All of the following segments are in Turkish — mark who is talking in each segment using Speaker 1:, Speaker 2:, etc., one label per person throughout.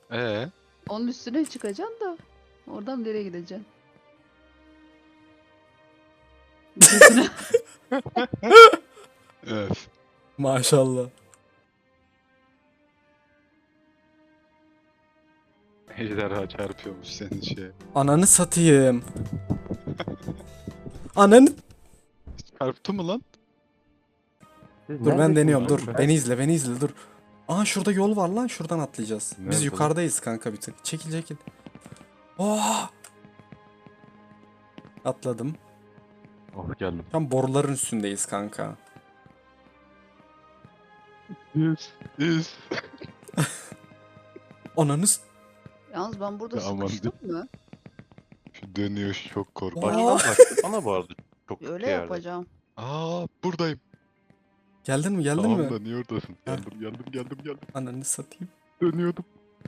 Speaker 1: Ee,
Speaker 2: Onun üstüne çıkacaksın da oradan nereye gideceksin? Götüne.
Speaker 1: öf.
Speaker 3: Maşallah.
Speaker 1: Ejderha çarpıyormuş senin şeye.
Speaker 3: Ananı satayım. Ananı...
Speaker 1: Çarptı mı lan?
Speaker 3: Dur ben deniyorum dur. Beni izle beni izle dur. Aa şurada yol var lan, şuradan atlayacağız.
Speaker 1: Nerede
Speaker 3: Biz
Speaker 1: lan?
Speaker 3: yukarıdayız kanka bir tık. Çekil çekil. Oh! Atladım.
Speaker 1: Oh geldim.
Speaker 3: Tam boruların üstündeyiz kanka.
Speaker 1: Yüz.
Speaker 3: Ananı s-
Speaker 2: Yalnız ben burada
Speaker 1: Ya aman
Speaker 2: sıkıştım mı?
Speaker 1: Şu dönüyor şu çok korkunç.
Speaker 3: Aa!
Speaker 4: Bana bu arada çok
Speaker 2: Öyle
Speaker 4: şey yerde.
Speaker 2: yapacağım.
Speaker 1: Buradayım.
Speaker 3: Geldin mi geldin
Speaker 1: Tamam
Speaker 3: mi?
Speaker 1: da niye oradasın? Geldim.
Speaker 3: Ananı satayım.
Speaker 1: Dönüyordum.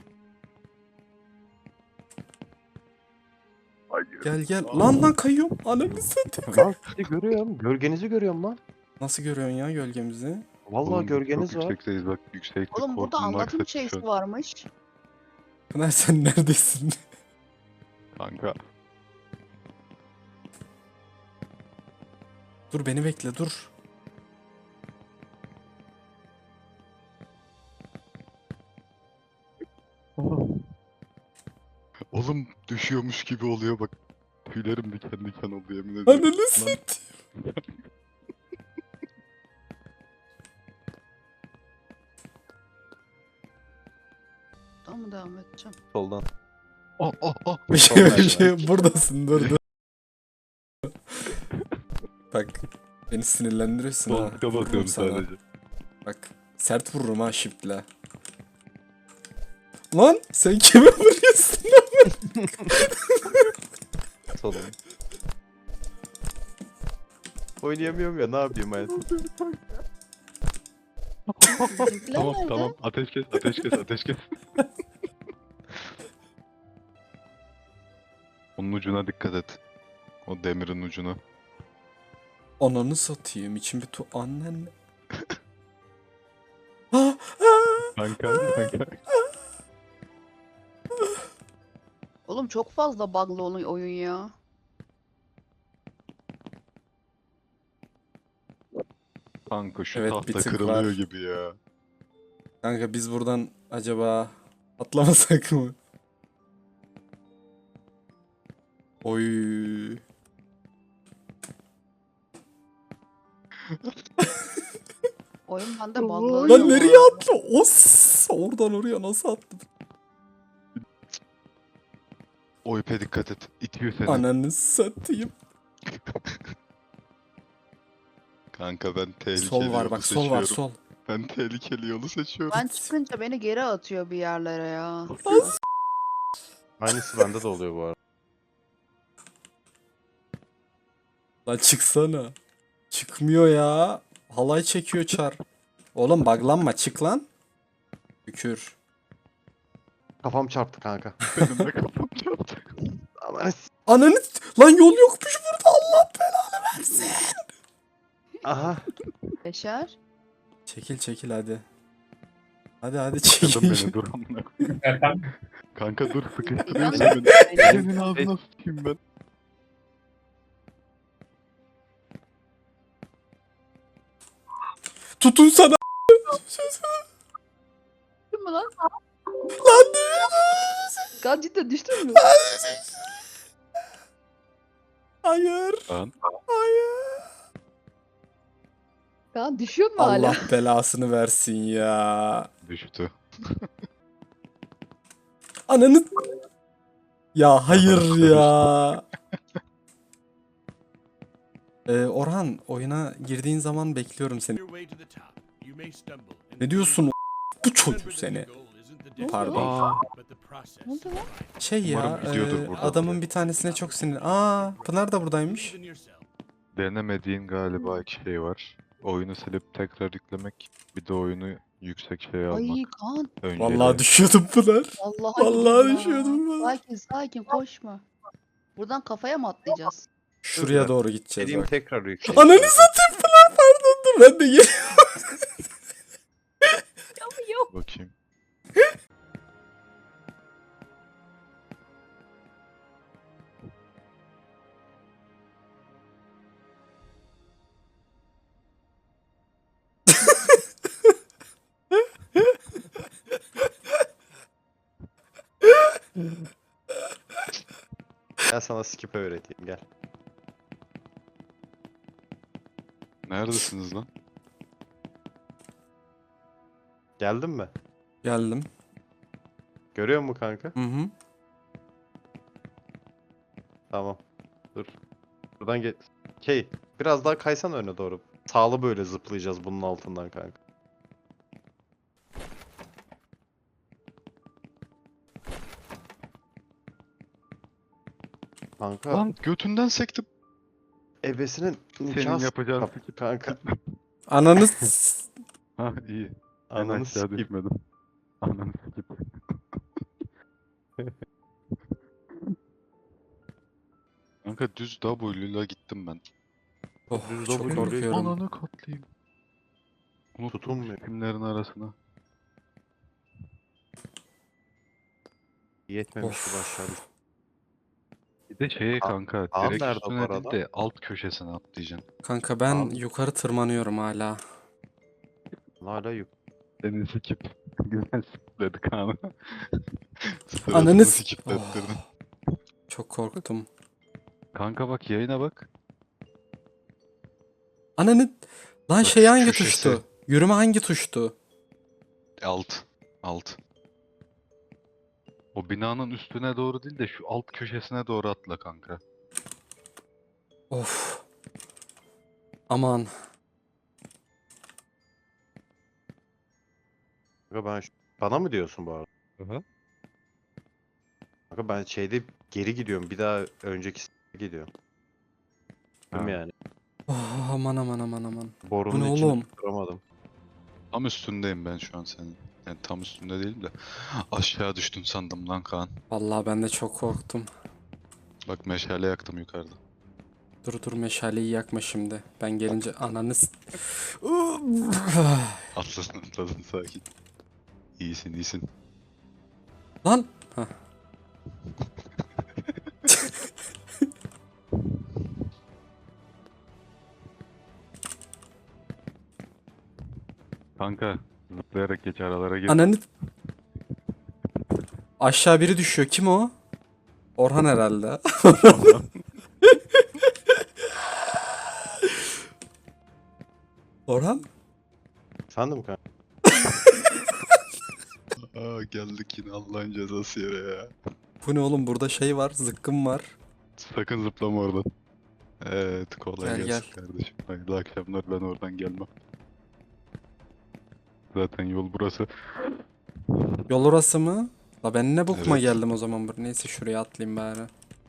Speaker 3: Gel gel. Lan kayıyorum. Ananı satayım.
Speaker 4: Lan sizi görüyorum. Gölgenizi görüyorum lan.
Speaker 3: Nasıl görüyorsun ya gölgemizi?
Speaker 4: Vallahi
Speaker 1: Oğlum,
Speaker 4: gölgeniz
Speaker 1: çok
Speaker 4: var.
Speaker 1: yüksekteyiz bak. Yükseklik
Speaker 2: Oğlum burada
Speaker 1: korkunun
Speaker 2: anlatım
Speaker 1: aksatı şu
Speaker 2: şeysi
Speaker 1: an.
Speaker 2: varmış.
Speaker 3: Pınar sen neredesin?
Speaker 1: Kanka.
Speaker 3: Dur beni bekle dur.
Speaker 1: Oğlum düşüyormuş gibi oluyor bak. Tüylerim diken diken oldu yemin ediyorum.
Speaker 3: Ananı
Speaker 1: Lan,
Speaker 3: satayım.
Speaker 2: Daha mı devam edeceğim?
Speaker 4: Soldan.
Speaker 3: Bir şey buradasın dur dur. Bak beni sinirlendiriyorsun ha.
Speaker 1: Koltuğa
Speaker 3: Vururum
Speaker 1: bakıyorum
Speaker 3: sana.
Speaker 1: sadece.
Speaker 3: Bak sert vururum ha shift'le. Lan sen kime vuruyorsun lan?
Speaker 4: Soldan. Oynayamıyorum ya, ne yapayım hayatım.
Speaker 2: Bizimkiler
Speaker 1: Tamam
Speaker 2: nerede?
Speaker 1: tamam ateş kes. Onun ucuna dikkat et. O demirin ucuna.
Speaker 3: Ananı satayım içim bir annen. Ah, ah.
Speaker 1: Kanka.
Speaker 2: Oğlum çok fazla bug'lı oyun ya.
Speaker 1: Kanka şu
Speaker 3: Evet, bir
Speaker 1: tahta
Speaker 3: tık
Speaker 1: kırılıyor
Speaker 3: var.
Speaker 1: gibi ya.
Speaker 3: Kanka biz buradan acaba atlamasak mı? Oy.
Speaker 2: Oyun bende bug'lı.
Speaker 3: Lan nereye atla? Os! Oradan oraya nasıl atladın?
Speaker 1: O ipe dikkat et. İtiyor seni.
Speaker 3: Ananı satayım.
Speaker 1: Kanka ben tehlikeli
Speaker 3: Sol var
Speaker 1: yolu
Speaker 3: bak, sol
Speaker 1: seçiyorum.
Speaker 3: var, sol.
Speaker 1: Ben tehlikeli yolu seçiyorum.
Speaker 2: Ben çıkınca beni geri atıyor bir yerlere ya.
Speaker 4: Aynısı bende de oluyor bu arada.
Speaker 3: Lan çıksana. Çıkmıyor ya. Halay çekiyor çar. Oğlum buglanma, çık lan. Tükür.
Speaker 4: Kafam çarptı kanka.
Speaker 1: Benim de kafam çarptı.
Speaker 4: Aman
Speaker 3: Ananı... Lan yol yokmuş burada, Allah belanı versin.
Speaker 4: aha.
Speaker 2: Beşer.
Speaker 3: Çekil çekil hadi. Hadi
Speaker 1: Kadın
Speaker 3: çekil.
Speaker 1: beni dur amına koyayım. Kanka dur sıkıştırıyorsun
Speaker 2: Yalnız
Speaker 1: beni.
Speaker 2: benim-
Speaker 1: Elimin ağzına sıkayım ben.
Speaker 3: Tutun sana.
Speaker 2: Düştün mü lan?
Speaker 3: Lan
Speaker 2: Kan cidden düştün mü?
Speaker 3: hayır.
Speaker 1: Lan.
Speaker 3: Hayır.
Speaker 2: Kan düşüyor mu hala?
Speaker 3: Allah belasını versin ya.
Speaker 1: Düştü.
Speaker 3: Ananı... Ya hayır ya. Orhan oyuna girdiğin zaman bekliyorum seni. Ne diyorsun bu çocuk seni? Pardon.
Speaker 1: Aa,
Speaker 2: Ne oldu lan?
Speaker 3: Şey ya
Speaker 1: Umarım gidiyordur buradan.
Speaker 3: adamın bir tanesine çok sinir. Aa Pınar da buradaymış.
Speaker 1: denemediğin galiba iki şey var. Oyunu silip tekrar yüklemek. Bir de oyunu yüksek şeye almak.
Speaker 2: Ay Kaan.
Speaker 1: Önceliğe.
Speaker 3: Vallahi düşüyordum Pınar.
Speaker 2: Vallahi
Speaker 3: Vallahi
Speaker 2: gidiyor.
Speaker 3: düşüyordum ben.
Speaker 2: Sakin koşma. Buradan kafaya mı atlayacağız?
Speaker 3: Şuraya doğru gideceğiz
Speaker 4: Dediğim
Speaker 3: bak.
Speaker 4: tekrar yükleyeyim.
Speaker 3: Ananı satayım Pınar, pardon dur ben de geliyorum.
Speaker 2: Yok.
Speaker 1: Bakayım.
Speaker 4: Gel sana skip öğreteyim gel.
Speaker 1: Neredesiniz lan?
Speaker 4: Geldin mi?
Speaker 3: Geldim.
Speaker 4: Görüyor musun kanka?
Speaker 3: Hı hı.
Speaker 4: Tamam. Dur. Buradan gel. Biraz daha kaysan öne doğru. Sağlı böyle zıplayacağız bunun altından kanka. Kanka
Speaker 1: Lan götünden sektim.
Speaker 4: ebesinin
Speaker 1: Senin
Speaker 4: nikah
Speaker 1: yapacağın
Speaker 4: yap
Speaker 1: skip.
Speaker 4: kanka.
Speaker 3: Ananı
Speaker 1: Ha iyi. En
Speaker 4: Ananı
Speaker 1: aşağı
Speaker 4: sikeyim.
Speaker 1: düşmedim. Ananı skip. Kanka düz W'yla gittim ben.
Speaker 3: Oh,
Speaker 4: Düz
Speaker 3: çok
Speaker 4: double
Speaker 3: korkuyorum.
Speaker 1: Ananı katlayayım. Unuttum
Speaker 4: Tutunmuyor.
Speaker 1: filmlerin arasına.
Speaker 4: Yetmemiş
Speaker 3: Of.
Speaker 4: gibi aşağı düştü.
Speaker 1: Bir de şeye kanka
Speaker 4: Kaan
Speaker 1: direkt
Speaker 4: nerede bu
Speaker 1: üstüne değil
Speaker 4: arada?
Speaker 1: de alt köşesine atlayacaksın.
Speaker 3: Kanka ben
Speaker 4: Abi.
Speaker 3: yukarı tırmanıyorum hala.
Speaker 4: Hala yük.
Speaker 1: Seni sikip güzel sikipledi Kaan'ı.
Speaker 3: Ananı
Speaker 1: Suratını
Speaker 3: s-
Speaker 1: sikiplettirdin.
Speaker 3: Çok korktum.
Speaker 1: Kanka bak yayına bak.
Speaker 3: Ananı... Lan
Speaker 1: Bak
Speaker 3: şey
Speaker 1: şu
Speaker 3: hangi
Speaker 1: köşesi.
Speaker 3: tuştu? Yürüme hangi tuştu?
Speaker 1: Alt. Alt. O binanın üstüne doğru değil de şu alt köşesine doğru atla kanka.
Speaker 3: Of. Aman.
Speaker 4: Kanka bana mı diyorsun bu arada?
Speaker 1: Hı.
Speaker 4: Kanka ben şeyde geri gidiyorum. Bir daha önceki gidiyorum. Değil mi
Speaker 1: Ha.
Speaker 4: yani?
Speaker 3: Oh, aman aman aman aman.
Speaker 4: Borunun
Speaker 3: Bu ne
Speaker 4: içinde
Speaker 3: oğlum?
Speaker 4: tutturamadım.
Speaker 1: Tam üstündeyim ben şu an senin. Yani tam üstünde değilim de. Aşağı düştün sandım lan Kaan.
Speaker 3: Vallahi ben de çok korktum.
Speaker 1: Bak meşale yaktım yukarıda.
Speaker 3: Dur dur meşaleyi yakma şimdi. Ben gelince ananı
Speaker 1: Atladın atladın sakin. İyisin iyisin.
Speaker 3: Lan. Hah.
Speaker 1: Kanka zıplayarak geç aralara gir.
Speaker 3: Ananı... Aşağı biri düşüyor. Kim o? Orhan herhalde. Orhan?
Speaker 4: Sandım kanka.
Speaker 1: Aa geldik yine Allah'ın cezası yere ya.
Speaker 3: Bu ne oğlum? Burada şey var. Zıkkım var.
Speaker 1: Sakın zıplama oradan. Evet kolay
Speaker 3: Gel,
Speaker 1: gelsin
Speaker 3: gel.
Speaker 1: kardeşim. Hayırlı akşamlar ben oradan gelmem. Zaten yol burası.
Speaker 3: Yol orası mı? La ben ne bokuma
Speaker 1: Evet.
Speaker 3: geldim o zaman. Neyse şuraya atlayayım bari.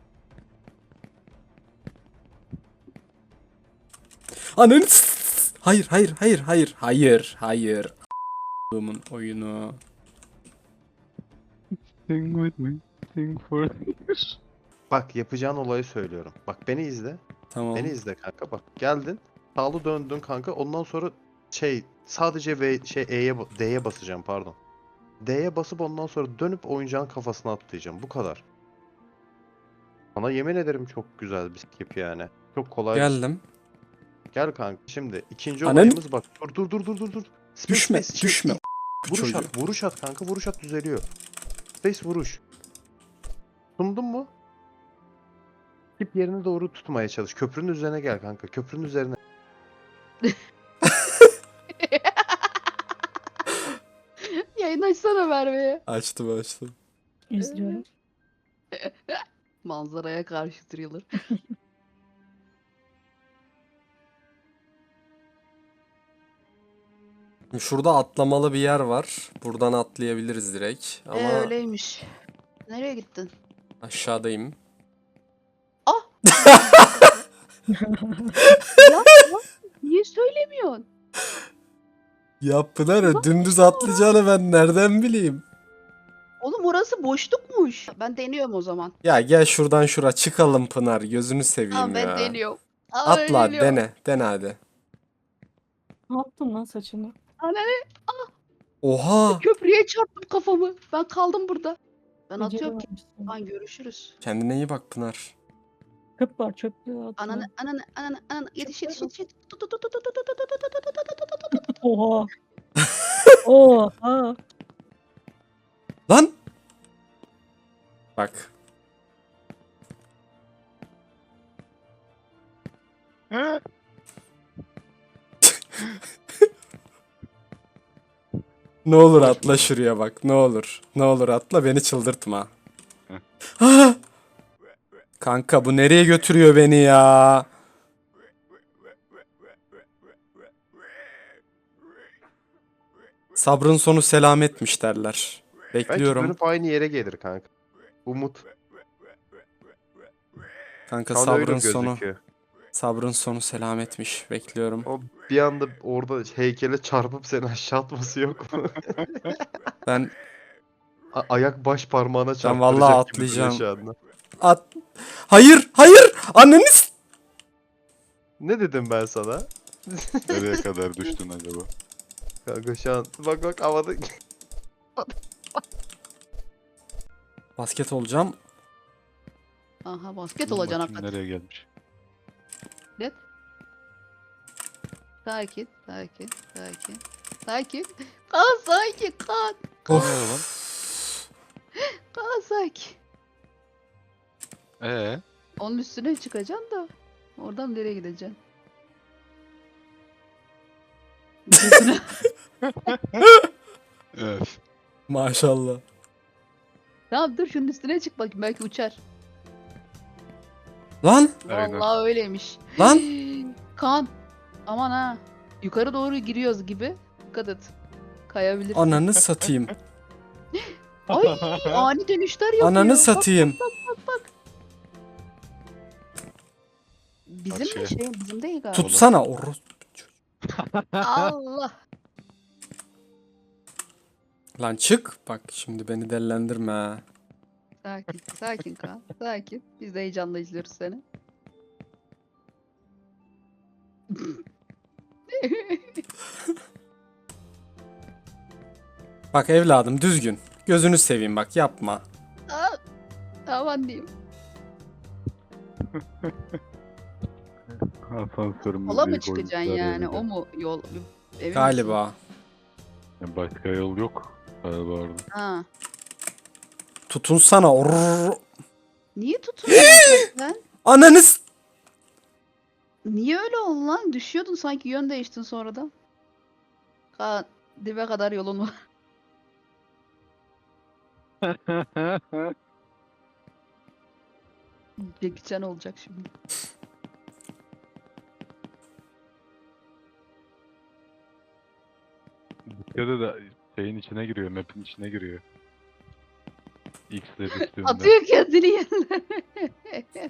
Speaker 3: Ananı Hayır hayır hayır hayır hayır hayır. A**ımın oyunu.
Speaker 1: Sing with me. Sing for
Speaker 4: Bak yapacağın olayı söylüyorum. Bak beni izle.
Speaker 3: Tamam.
Speaker 4: Beni izle kanka. Bak geldin. Sağlı döndün kanka. Ondan sonra sadece D'ye basacağım pardon. D'ye basıp ondan sonra dönüp oyuncağın kafasına atlayacağım. Bu kadar. Sana yemin ederim çok güzel bir skip yani. Çok kolay bir skip.
Speaker 3: Geldim.
Speaker 4: Gel kanka. Şimdi ikinci
Speaker 3: Anan-
Speaker 4: olayımız bak. Dur. Space,
Speaker 3: Düşme
Speaker 4: space,
Speaker 3: düşme. Bu
Speaker 4: Vuruş
Speaker 3: çocuğu.
Speaker 4: at, vuruş at kanka. Vuruş at düzeliyor. Space vuruş. Sundun mu? Skip yerine doğru tutmaya çalış. Köprünün üzerine gel kanka. Köprünün üzerine.
Speaker 2: Yayın açsana Merve'ye.
Speaker 3: Açtım açtım.
Speaker 5: İzliyorum.
Speaker 2: Manzaraya karşı thriller.
Speaker 3: Şurada atlamalı bir yer var. Buradan atlayabiliriz direkt. Ama
Speaker 2: Öyleymiş. Nereye gittin?
Speaker 3: aşağıdayım.
Speaker 2: Ya niye söylemiyorsun?
Speaker 3: Ya Pınar dümdüz atlayacağını ben nereden bileyim?
Speaker 2: Oğlum orası boşlukmuş. Ben deniyorum o zaman.
Speaker 3: Ya gel şuradan şura çıkalım Pınar. Gözünü seveyim
Speaker 2: Tamam ben
Speaker 3: ya.
Speaker 2: deniyorum. Aa,
Speaker 3: Atla hadi,
Speaker 2: deniyorum.
Speaker 3: dene. Dene hadi.
Speaker 5: Ne yaptın lan saçını?
Speaker 2: Anne
Speaker 3: Oha.
Speaker 2: köprüye çarptım kafamı. Ben kaldım burada. Ben atıyorum ki.
Speaker 5: Becerememişsin.
Speaker 2: Lan görüşürüz.
Speaker 3: Kendine iyi bak Pınar.
Speaker 5: Çöp var çöplüğe atma.
Speaker 2: Ananı yetiş. Tut, tut, tut, tut, tut, tut, tut, tut, tut, tut, tut, tut.
Speaker 5: Oha. 哦 Oha. 哦 Oha. 哦
Speaker 3: Lan. Bak. Ne olur atla şuraya bak. Ne olur. Ne olur atla beni çıldırtma. Ah! Kanka bu nereye götürüyor beni ya? Sabrın sonu selametmiş derler.
Speaker 4: Belki
Speaker 3: Bekliyorum.
Speaker 4: dönüp aynı yere gelir kanka. Umut.
Speaker 3: Kanka
Speaker 4: Şu an öyle
Speaker 3: sabrın sonu.
Speaker 4: gözüküyor.
Speaker 3: Sabrın sonu selametmiş. Bekliyorum.
Speaker 4: O bir anda orada heykele çarpıp seni aşağı atması yok mu?
Speaker 3: Ben
Speaker 4: Ayak baş parmağına çarptıracak
Speaker 3: vallahi
Speaker 4: gibi duruyor
Speaker 3: atlayacağım.
Speaker 4: şu anda.
Speaker 3: at. Hayır, hayır. Anneniz.
Speaker 4: Ne dedim ben sana?
Speaker 1: Nereye kadar düştün acaba?
Speaker 4: Kanka şu an bak havada.
Speaker 3: Basket olacağım.
Speaker 2: Aha basket
Speaker 1: Dur
Speaker 2: olacaksın
Speaker 1: bakayım
Speaker 2: hakikaten.
Speaker 1: nereye gelmiş.
Speaker 2: Net. Sakin, sakin, sakin. Sakin. Kaan sakin, Kaan.
Speaker 3: Of.
Speaker 1: Ne lan?
Speaker 2: Kaan sakin.
Speaker 1: Ee?
Speaker 2: Onun üstüne çıkacaksın da. Oradan nereye gideceksin? Gözüne.
Speaker 1: Öf.
Speaker 3: Maşallah.
Speaker 2: Tamam dur şunun üstüne çık bakayım belki uçar.
Speaker 3: Lan,
Speaker 1: Aynen.
Speaker 2: Vallahi öyleymiş.
Speaker 3: lan.
Speaker 2: Kaan. Aman ha. Yukarı doğru giriyoruz gibi. Dikkat et. Kayabilirsin.
Speaker 3: Ananı satayım.
Speaker 2: Ay ani dönüşler yapıyor.
Speaker 3: Ananı satayım.
Speaker 2: Bizim
Speaker 1: Karşıya.
Speaker 2: mi şey? Bizim değil galiba.
Speaker 3: Tutsana oru.
Speaker 2: Allah.
Speaker 3: Lan çık. Bak şimdi beni dellendirme ha.
Speaker 2: Sakin. Sakin Kaan. Sakin. Biz de heyecanla izliyoruz seni.
Speaker 3: Bak evladım düzgün. Gözünü seveyim bak yapma.
Speaker 2: Aa, aman diyeyim.
Speaker 1: Asansörümüz
Speaker 2: Yola mı
Speaker 1: büyük
Speaker 2: çıkacaksın
Speaker 1: oyuncular
Speaker 2: yani?
Speaker 1: yerinde.
Speaker 2: O mu yol? Emin misin?
Speaker 3: Galiba.
Speaker 1: Yani başka yol yok galiba orada.
Speaker 2: Ha.
Speaker 3: Tutunsana oru.
Speaker 2: Niye tutuyorsun sen?
Speaker 3: Ananız.
Speaker 2: Niye öyle oldu lan? Düşüyordun sanki yön değiştin sonradan. Kaan dibe kadar yolun var. Jackie Chan olacak şimdi.
Speaker 1: Bir kere de şeyin içine giriyor, map'in içine giriyor. X'le üstünde.
Speaker 2: Atıyor kendini yerlere.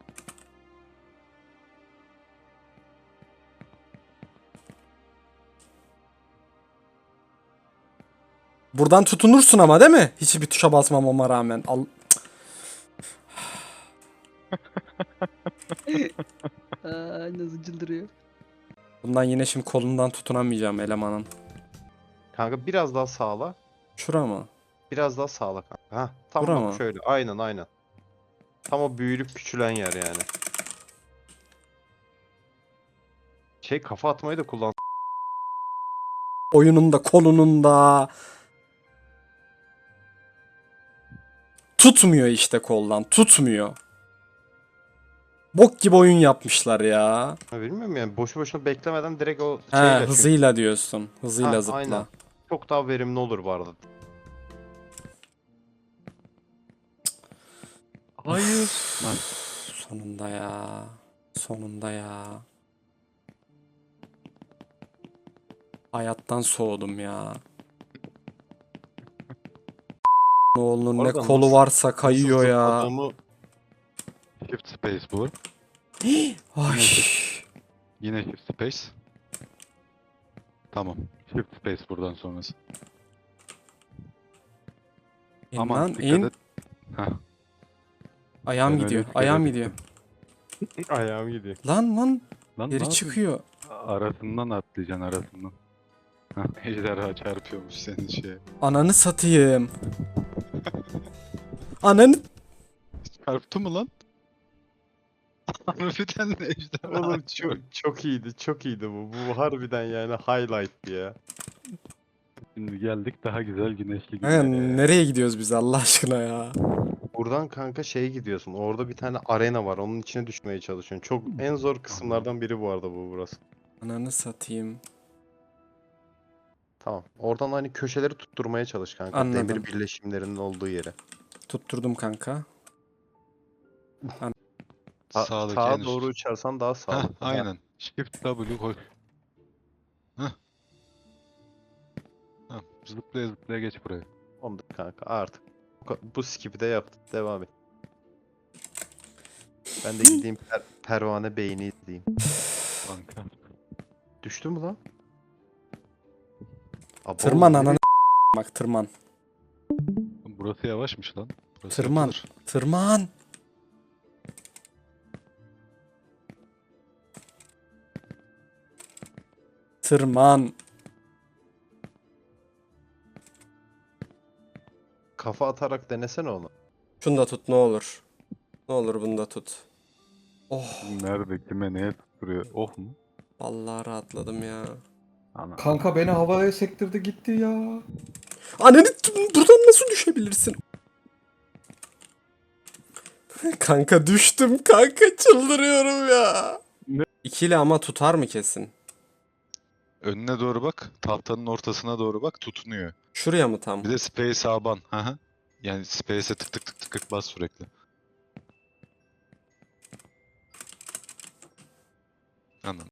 Speaker 3: Buradan tutunursun ama değil mi? Hiçbir tuşa basmamama rağmen. Al.
Speaker 2: Aa, nasıl çıldırıyor.
Speaker 3: Bundan yine şimdi kolundan tutunamayacağım elemanın.
Speaker 4: Kanka biraz daha sağla.
Speaker 3: Şura mı?
Speaker 4: Biraz daha sağla kanka. Hah, tam
Speaker 3: Bura
Speaker 4: bak
Speaker 3: mı?
Speaker 4: şöyle. Aynen. Tam o büyülüp küçülen yer yani. Şey kafa atmayı da kullan.
Speaker 3: Oyunun da kolunun da. Tutmuyor işte koldan. Tutmuyor. Bok gibi oyun yapmışlar ya.
Speaker 4: Ha, bilmiyorum yani boşu boşuna beklemeden direkt o
Speaker 3: He,
Speaker 4: şeyle çünkü
Speaker 3: hızıyla diyorsun. Hızıyla
Speaker 4: Ha,
Speaker 3: zıpla.
Speaker 4: aynen. çok daha verimli olur bu arada.
Speaker 1: Hayır.
Speaker 3: Sonunda ya. Sonunda ya. Hayattan soğudum ya. Oğlunun ne
Speaker 4: Orada
Speaker 3: kolu
Speaker 4: nasıl-
Speaker 3: varsa kayıyor
Speaker 4: Nasıl
Speaker 3: ya.
Speaker 4: zıpladığımı-
Speaker 1: Shift space bu.
Speaker 3: Ay.
Speaker 1: Yine shift space. Tamam. Shift space buradan sonrası.
Speaker 3: İn
Speaker 1: Aman
Speaker 3: lan
Speaker 1: dikkat
Speaker 3: in.
Speaker 1: et. Heh.
Speaker 3: Ayağım
Speaker 1: Ben
Speaker 3: gidiyor.
Speaker 1: öyle dikkat
Speaker 3: Ayağım
Speaker 1: ettim.
Speaker 3: gidiyor.
Speaker 4: Ayağım gidiyor.
Speaker 3: Lan
Speaker 1: Lan ne
Speaker 3: geri
Speaker 1: yapıyorsun?
Speaker 3: çıkıyor.
Speaker 1: Arasından atlayacaksın arasından. Heh, ejderha çarpıyormuş senin şeye.
Speaker 3: Ananı satayım. Ananı.
Speaker 1: Çarptı mı lan? Harbiden de ejderha.
Speaker 4: Oğlum çok iyiydi. Çok iyiydi bu. Bu harbiden yani highlight ya.
Speaker 1: Şimdi geldik daha güzel güneşli
Speaker 3: Kanka,
Speaker 1: günlere.
Speaker 3: nereye gidiyoruz biz Allah aşkına ya?
Speaker 4: Buradan kanka şeye gidiyorsun. Orada bir tane arena var. Onun içine düşmeye çalışıyorsun. Çok en zor kısımlardan biri bu arada burası.
Speaker 3: Ananı satayım.
Speaker 4: Tamam. Oradan hani köşeleri tutturmaya çalış kanka.
Speaker 3: Anladım.
Speaker 4: Demir birleşimlerinin olduğu yere.
Speaker 3: Tutturdum kanka.
Speaker 1: Sağdaki en
Speaker 4: Sağa
Speaker 1: üst.
Speaker 4: doğru uçarsan daha
Speaker 1: Heh,
Speaker 4: sağlıklı. Ha,
Speaker 1: aynen. Shift W koy. Heh. Heh, zıplaya zıplaya geç buraya.
Speaker 4: Ondan kanka artık. Bu skip'i de yaptın. Devam et. Ben de gideyim pervane beyni izleyeyim.
Speaker 1: Kanka.
Speaker 4: Düştü mü lan? Abo,
Speaker 3: Tırman
Speaker 4: nereye-
Speaker 3: ananı bak tırman.
Speaker 1: Burası yavaşmış lan. Burası
Speaker 3: Tırman.
Speaker 1: yapılır.
Speaker 3: Tırman. Tırman.
Speaker 4: Kafa atarak denesene onu.
Speaker 3: Şunu da tut ne olur. Ne olur bunu da tut. Oh.
Speaker 1: Nerede kime neye tutturuyor? Oh mu?
Speaker 3: Vallahi rahatladım ya.
Speaker 1: Ana.
Speaker 6: Kanka beni havaya sektirdi gitti ya.
Speaker 3: Ananı buradan nasıl düşebilirsin? Kanka düştüm kanka çıldırıyorum ya.
Speaker 1: Ne?
Speaker 3: İkili ama tutar mı kesin?
Speaker 1: Önüne doğru bak. Tahtanın ortasına doğru bak. Tutunuyor.
Speaker 3: Şuraya mı tam?
Speaker 1: Bir de space aban. Hı hı. Yani space'e tık tık tık tık tık bas sürekli. Anladım.